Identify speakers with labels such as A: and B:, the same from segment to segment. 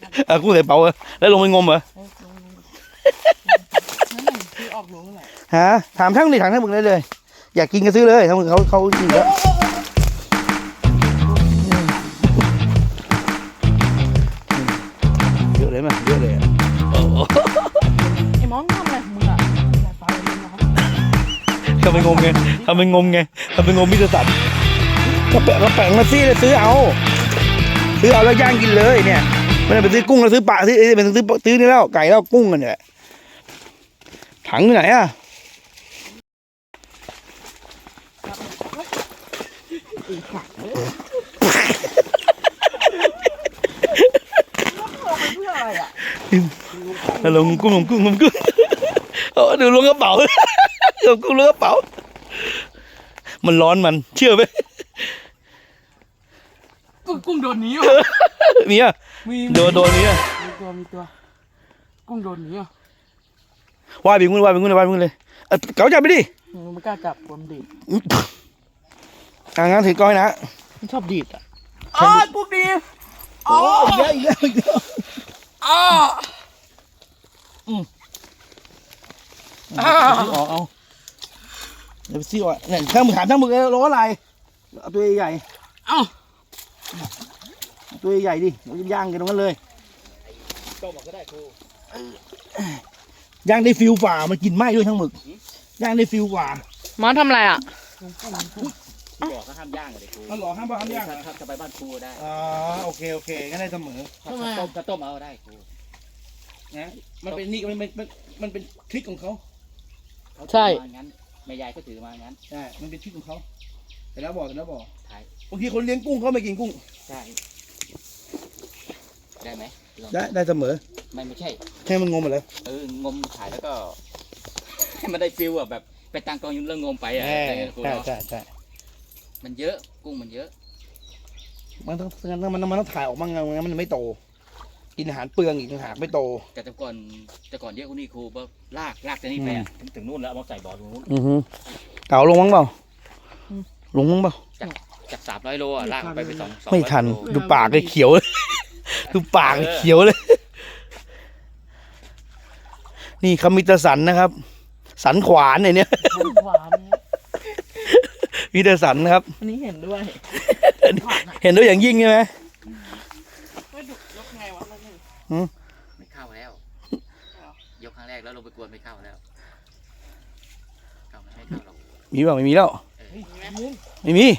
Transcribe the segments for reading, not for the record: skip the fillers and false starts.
A: กุ้งใส่เป๋าแล้วลงไปงมเหรอ
B: คือออกลงแหละ
A: ฮะถามช่างดิถามช่างมึงได้เลยอยากกินก็ซื้อเลยถ้ามึงเขากินแล้วเยอะเลยมั้ยเยอะเลย
B: ไอ้มอนทำอะไรมึงอะปลาเล่นนะครับ
A: ทำเป็นงมไงทำเป็นงมมิตรสัตว์ก็แปะมาซี่เลยซื้อเอาแล้วย่างกินเลยเนี่ยไม่ได้ไปซื้อกุ้งแล้วซื้อปลาซื้อเป็นซื้อนี่แล้วไก่แล้วกุ้งกันเนี่ยถังอยู่ไหนอ่ะลงกุ้งดูลงกระเป๋าลงกุ้งลงกระเป๋ามันร้อนมันเชื่อไหม
B: กุ้งโดนหนีวะ
A: มีอ่ะโดนนี้อ่ะ
B: มีตัวกุ้งโดนหนีอ่ะ
A: ว่ายไปงูเลยเก๋าจับไปดิ
B: ไม่กล้าจับผมดีด
A: งั้นถือก้อยนะ
B: มันชอบดีดอ่ะกุ้งดี
A: อีกแล้วเอาเดี๋ยวซี่อ่ะเนี่ยถ้ามึงถามถ้ามึงร้อนอะไรเอาตัวใหญ่ตัวใหญ่ดิเราจะย่างกันตรงนั้นเลยต้มก็ได้ครูย่างได้ฟิลฝ่ามันกินไหม้ด้วยทั้งหมึกย่างได้ฟิลฝ่า
B: มาทำอะไรอ่ะ
C: บอกก็ห้ามย่างเลยครู
A: มันหล่อห้ามย่าง
C: จะไปบ้านครูได้
A: โอเคงั้นได้เสมอ
C: ต้มเอาได้ครู
A: นะมันเป็นนี่มันเป็นทริคของเขา
B: ใช่
C: งั้นแม่ยายก็ถือมางั้น
A: ใช่มันเป็นทริคของเขาแต่แล้วบอกบางทีคนเลี้ยงกุ้งเขาไม่กินกุ้ง
C: ใช่ได้ไหม
A: ได้เสมอ
C: ไม่ใช่
A: แค่มันงมอะไร
C: งมถ่ายแล้วก็ให้มันได้ฟิลแบบไปตั้งกองยุ่งเรื่องงมไปอ่ะ
A: ใช่
C: มันเยอะกุ้งมันเยอะ
A: มันต้องถ่ายออกมาไงมันไม่โตกินอาหารเปลืองอีกต่างหากไม่โต
C: แต่ก่อนเยอะกว่านี้ครูแบบลากจากนี่ไปถึงนู่นแล้วเอามาใส่บ่อตรงนู้น
A: เก่าลงมั้งเปล่า
C: จาก300 โลอ่ะลากไป200
A: ไม่ทันดูปากเลยเขียวเลยนี่คามิตสันนะครับสันขวานเนี่ยมิตสันนะครับ
B: อันนี้เห็นด้วย
A: อย่างยิ่งใช่ไหม
C: ยกไงวะไม่เข้าแล้วยกครั้งแรกแล้วลงไปกวนไม่เข้าแล้วไม่เข้าหรอก
A: มีเปล่าไม่มีแล้วไม่มี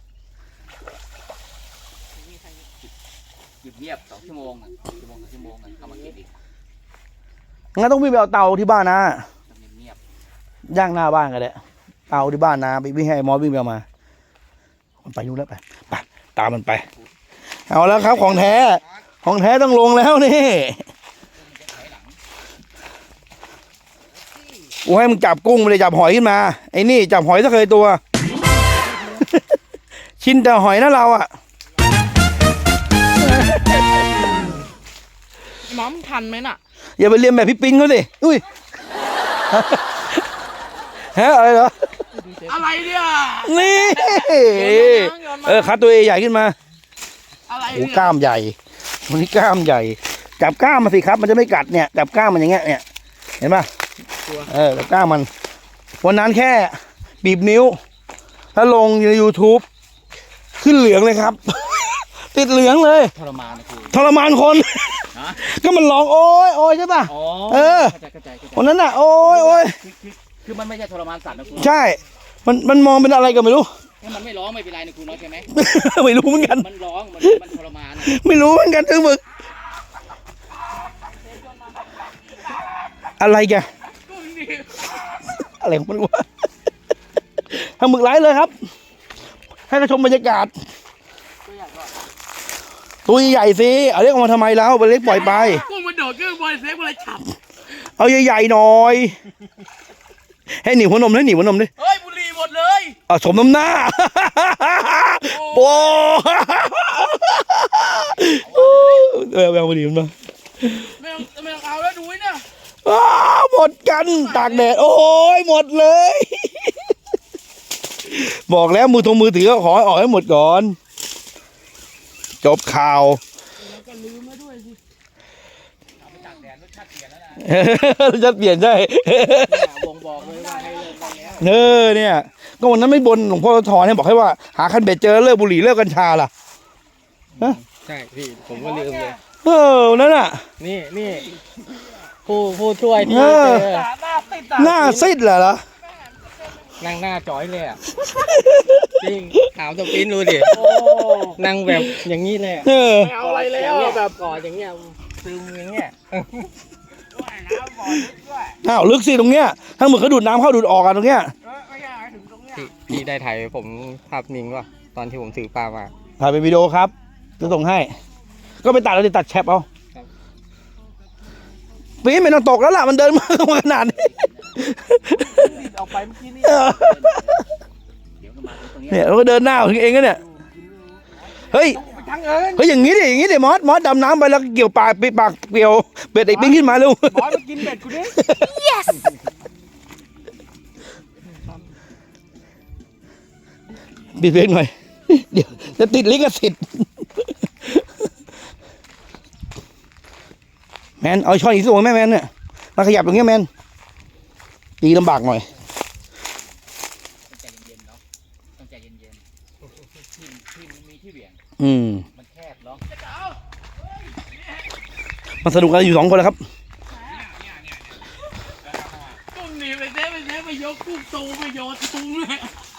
C: หยุดเงียบ2 ชั่วโมงเข้ามากินอีก
A: งั้นต้องวิ่งไปเอาเตาที่บ้านนะย่างหน้าบ้านกันแหละเตาที่บ้านนะไปวิ่งให้มอสวิ่งไปมามันไปนู่นแล้วไปตามมันไปเอาแล้วครับของแท้ต้องลงแล้วนี่กูให้มึงจับกุ้งไม่ได้จับหอยขึ้นมาไอ้นี่จับหอยซะเคยตัวชินแต่หอยนะเราอ่ะ
B: น้องทันไหมน่ะ
A: อย่าไปเรียนแบบพี่ปิ๊งเขาสิอุ้ยฮะอะไรเหรอ
B: อะไรเนี่ย
A: นี่คัดตัวใหญ่ขึ้นมาโอ้กล้ามใหญ่วันนี้กล้ามใหญ่จับกล้ามมาสิครับมันจะไม่กัดเนี่ยจับกล้ามมันอย่างเงี้ยเนี่ยเห็นป่ะจับกล้ามมันวันนั้นแค่บีบนิ้วถ้าลงใน YouTube ขึ้นเหลืองเลยครับติดเหลืองเลย
C: ทรม
A: านคนก็มันร้องโอ้ยใช่ป่ะวันนั้นน่ะโอ้ย
C: คือมันไม่ใช่ทรมานสัตว์นะครู
A: ใช่มันมองเป็นอะไรก็ไม่รู้
C: มันไม่ร้องไม่เป็นไรนะครูน้อยใช่ไหม
A: ไม่รู้เหมือนกัน
C: มันร้องมันทรมาน
A: ไม่รู้เหมือนกันถึงมึกอะไรแกอะไรของมันวะทำหมึกไร้เลยครับให้เราชมบรรยากาศตัวใหญ่สิเอาเล็กออกมาทำไมแล้วไปเล็กปล่อยไป
B: กุ้งมันโดดขึ้นบนเซฟอะไรฉับ
A: เอาใหญ่ๆหน่อยให้หนีหัวนมดิ
B: เฮ้ยบุหรี่หมดเลย
A: สมน้ำหน้าโอ้แมวบุหรี่มันมา
B: ไม่เอาแล้วดูนี่นะ
A: หมดกันตากแดดโอ้ยหมดเลยบอกแล้วมือถือก็ขอออกให้หมดก่อนจบข่าวจะเปลี่ยนใช่
B: บ่งบอกเลยว่าให้เลิกได้แล้ว
A: เนี่ยก็วันนั้นไม่บนหลวงพ่อทอเนี่ยบอกให้ว่าหาคันเบ็ดเจอเลิกบุหรี่เลิกกัญชาล่ะ
B: ใช่พี่ผมก็ลืมเลย
A: นั่นน่ะ
B: นี่ผู้ช่วยที่เจอ
A: หน้าซิดเหรอ
B: นั่งหน้าจ่อยเลยอ่ะจริงถามสปินดูดินั่งแบบอย่างนี้เลย
D: เอาอะไรแล้ว
B: แบบกอดอย่างเงี้ยซึมอย่างเงี้ย
A: อ้าวลึกสิตรงเนี้ยทั้งหมดเขาดูดน้ำเข้าดูดออกกันตรงเนี้ย
D: ไม่ใช่ถึงตรงเนี้ย
B: พี่ได้ถ่ายผมภาพนิ่งว่ะตอนที่ผมถือปลามา
A: ถ่ายเป็นวิดีโอครับจะส่งให้ ก็ไปตัดแล้วตัดแชปเอาปีนไม่ต้องตกแล้วล่ะมันเดินมาขนาดนี้
D: ออกไปเมื่อกี้นี่
C: เดี๋ยวก็มาตรงนี้
A: เนี่ยเราก็เดินหน้าของเองก็เนี่ยเฮ้ย
D: ไปทั้งเอิญ
A: เฮ้ยอย่างนี้ดิมอสดำน้ำไปแล้วเกี่ยวปากปีปากเกี่ยวเบ็ดไอ้ปิ้งขึ้นมาเร็ว
D: บอสมากินเบ็ดกูดิ
A: ปิดเพลงหน่อยเดี๋ยวจะติดลิขสิทธิ์แมนเอาช้อนอีกส่วนแม่แมนเนี่ยมาขยับตรงเนี้ยแมนตีลำบากหน่อย
C: ต้องใจเย็นๆเนาะต้องใจเย็นๆที่มันมีที่เหวี่ยง มันแคบเนาะ
A: มันสนุกกันอยู่2 คนแล้วครับ
D: ตุ้มหนีไปเซฟไปยกกุ้งตูไปโยนตุ้มเลย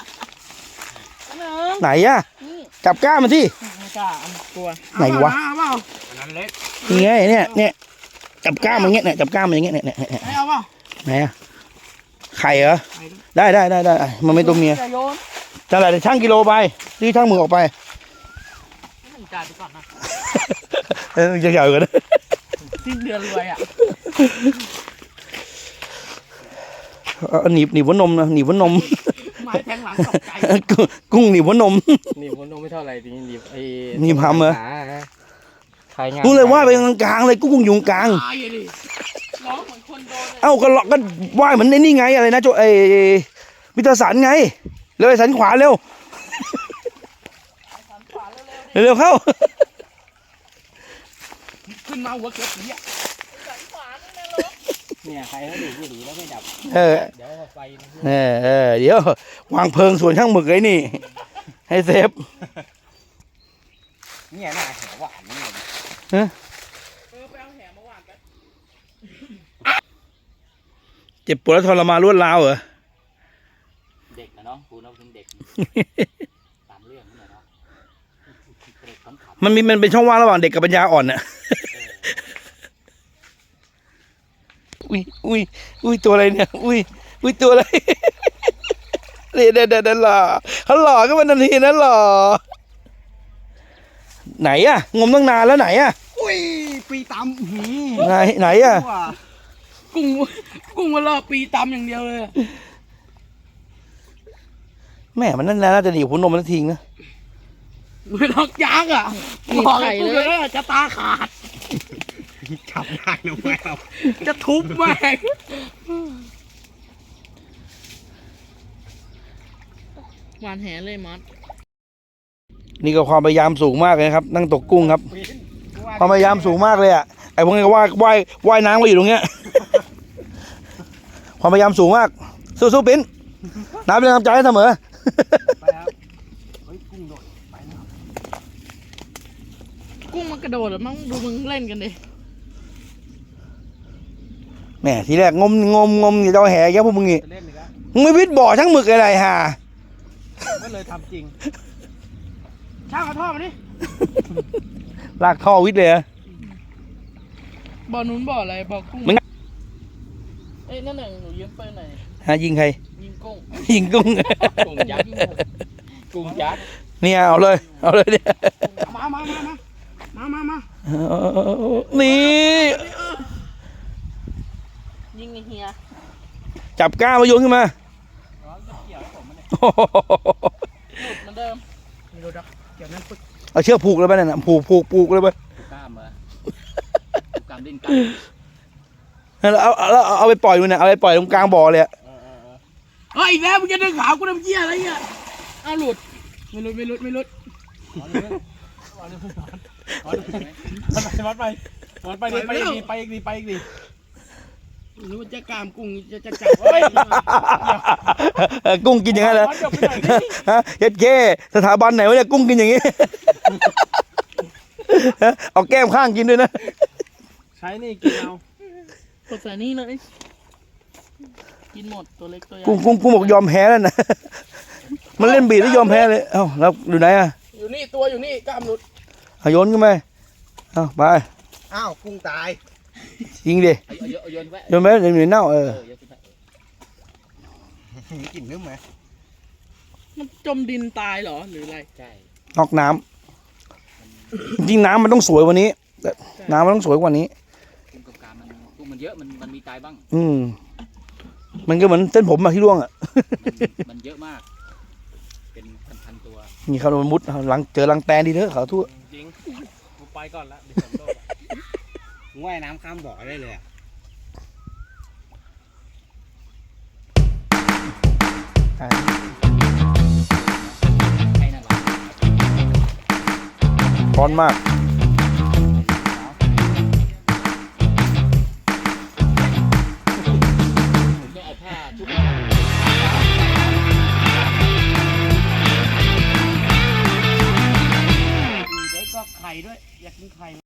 A: ไหนอะจับก้ามมันที่
D: ไม่กล้าอันกลัว
A: ไหนวะ
D: เอาเปล่าอันนั้นเล็ก
A: นี่ไงเนี่ยจับก้ามมันเงี้ยเนี่ยจับก้ามมันอย่างเงี้ยเนี่ย
D: ไม่เอาเปล่า
A: ไหนอะไข่เหรอได้มันไม่ตัวเมีย
D: จะโยน
A: จะอะไรช่างกิโลไปที่ช่างมือออกไป
D: ให้จ่ายไปก่อนนะ
A: จะใหญ่กว่านั้น
D: สิ้นเดือนรวยอ่ะ
A: หนีบหัวนมนะหนีบหัวนม
D: ไม้แทงหลังตกใจ
A: กุ้งหนีบหัวนม
B: นี่ผมดูไม่เท่าไหร่ทีนี้นี่ไอ้
A: นี่ทำเหรอ
B: ใครงาน
A: กูเลยว่าไปกลางๆเลยกุ้งอยู่กลาง
D: ตายเลยร้องเหมือนคนโดนเลย
A: เอ้าก็เลาะก็ว่ายเหมือนในนี่ไงอะไรนะโจมิตรสันไงเร็วไอ้สันขวาเร็วเร็วเข้า
D: ขึ้นมาหัวเกือบผีอ่ะ
B: เนี่ยใครเขาดูบุหรี่แล้วไม่ดับ
A: เออ
B: เดี๋ยวเอาไฟนะ
A: เดี๋ยววางเพลิงส่วนช่างหมึกไอ้นี่ ให้เซฟ
B: เนี่ยหน้าแหวหวานนี่
D: ไปเอาแหมาวางกัน
A: เจ็บปวดและทรมานรวดร้าวเหรอ
C: เด็กนะเนาะกูเนาะเป็นเด็กตามเรื่องนี่แหละเนาะเด็กขำ
A: มันเป็นช่องว่างระหว่างเด็กกับปัญญาอ่อนน่ะ อุ้ยตัวอะไรเนี่ย อุ้ยตัวอะไร เด็ดหล่อเขาหล่อก็มันทันทีนะหล่อไหนอะงมตั้งนานแล้วไหนอะ
D: อุ้ยปีตำ
A: ไหนอะ
D: กุ้งมันรอปีตำอย่างเดียวเลย
A: แม่มันนั่นน่าจะหนีบหัวนมมันทิ้งนะ
D: ไม่ล็อกยักษ์อ่ะบอกให้กูเลยจะตาขาด
B: ขับได้หรือไม่ครับ
D: จะทุบแม่งหวานแหเลยมัด
A: นี่ก็ความพยายามสูงมากเลยครับ นั่งตกกุ้งครับ ความพยายามสูงมากเลยอ่ะไอ้พวกนี้ก็ว่ายน้ำมาอยู่ตรงเนี้ย ความพยายามสูงมากสู้ๆปิ้นน้ำเป็นกำลังใจให้เสมอ
D: ไปครับเฮ้ยกุ้งโดดไปแล้วกุ้งมันกระโดดแล้วมั้งดูมึงเล่นกันดิ
A: แหมทีแรกงมอย่าจะเอาแห่แกพวกมึงนี่
D: จะเล่นอีกแล้ว
A: มึงไม่วิดบ่อช่างหมึกอะไรฮะ
D: ก็เลยทำจริงช่างเอาท่อมาดิ
A: ลากท่อวิดเลยอะ
D: บ่อนู้นบ่ออะไรบ่อกุ้ง
A: มึง
D: เอ้ยนั่นหนึ่งหนูยืมปืนหน่อย
A: ฮะยิงใคร
D: ยิงกุ้ง
A: ยิงกุ้ง
B: กุ้งยักษ์กุ้งยักษ์
A: เนี่ยเอาเลยเนี่ย
D: มา
A: นี่
D: ยิงไอ้เฮีย
A: จับก้ามาโยนขึ้นมา
D: หลุดเหมือนเดิมไม่รู้ดักเกี่ยวนั่นปึ๊ก
A: เอาเชือกผูกเลยไปนั่นน่ะผูกเลยไป
C: ๆกล้ามเหรอกล้ามดิ้นกล้าม
A: แล้วเอาไปปล่อยดูนะเอาไปปล่อยตรงกลางบ่อเลยอะ
D: เฮ้ยอีกแล้วมึงจะดึงขาวกูทำเหี้ยอะไรเนี่ยอ้าวหลุดไม่หลุด
B: มันไปดิไปอีกดิ
D: หรือว่าจะกล้ามกุ้งจะจับเฮ้ย
A: กุ้งกินอย่างนั้นเหรอ
D: เดี๋ยวไปหน่อยดิ
A: ฮะเฮ็ดเก้สถาบันไหนวะเนี่ยกุ้งกินอย่างงี้ เอาแก้มข้างกินด้วยนะ
D: ใช้นี่กินเอากดใส่นี่เลยกินหมดตัวเล็กตัวใหญ่
A: กุ้งบอกยอมแพ้แล้วนะ มันเล่นบีดแล้วยอมแพ้เลย เอ้าแล้วอยู่ไหนอ่ะ
D: อยู่นี่ตัวอยู่นี่กล้ามหลุด
A: เอาโยนขึ้นไปเอ้าไป
B: อ้าวกุ้งตาย
A: ยิงดิ
C: เอาโยนไว้
A: โยนไปเดี๋ยวมันเน่า
C: โยนขึ้นไป
B: มีกลิ่นนึกไหม
D: มันจมดินตายเหรอหรืออะไร
C: ใช่
A: นอกน้ำจริงๆน้ำมันต้องสวยกว่านี้แต่น้ำมันต้องสวยกว่านี้
C: กุ้งกับกามกุ้งมันเยอะมันมีตายบ้าง
A: มันก็เหมือนเส้นผมอะที่ร่วงอะ
C: มันเยอะมาก เป็นพันๆตัว
A: นี่เขาโดนมุดเจอรังแตนดีเถอะเขาทั่ว
D: จริงกูไปก่อนละเดี๋ยวฝนตก
B: ว่ายน้ำข้ามบ่อได้เลย
C: ให้นั่นหรอ
A: ร้อนมาก
C: เ